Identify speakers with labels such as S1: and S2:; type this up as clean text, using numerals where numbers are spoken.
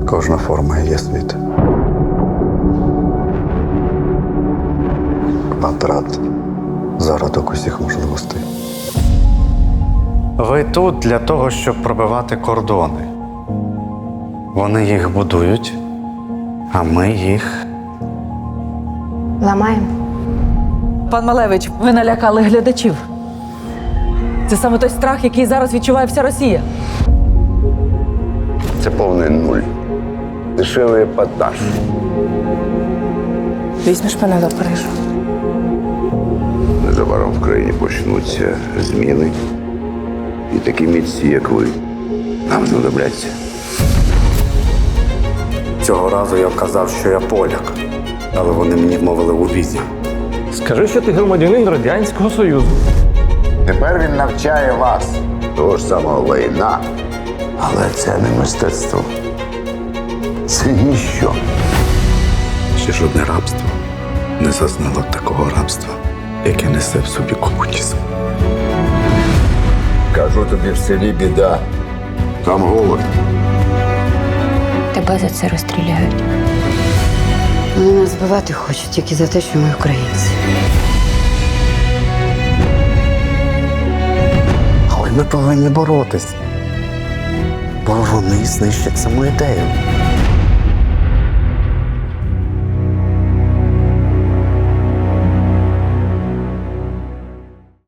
S1: Кожна форма є світ. Квадрат зародок усіх можливостей. Ви тут для того, щоб пробивати кордони. Вони їх будують, а ми їх.
S2: Ламаємо.
S3: Пан Малевич, ви налякали глядачів. Це саме той страх, який зараз відчуває вся Росія.
S4: Це повний нуль. Дешевий епатаж.
S2: Візьмеш мене до Парижу.
S4: Незабаром в країні почнуться зміни. І такі митці, як ви, нам знадобляться.
S1: Цього разу я казав, що я поляк, але вони мені вмовили у візі.
S5: Скажи, що ти громадянин Радянського Союзу.
S4: Тепер він навчає вас того ж самого лайна, але це не мистецтво. Це ніщо.
S1: Ще жодне рабство не зазнало такого рабства, яке несе в собі комунізм.
S4: Кажу тобі, в селі біда. Там голод.
S2: Тебе за це розстріляють. Вони нас збивати хочуть тільки за те, що ми українці.
S1: Але ми повинні боротись, бо вони знищать саму ідею.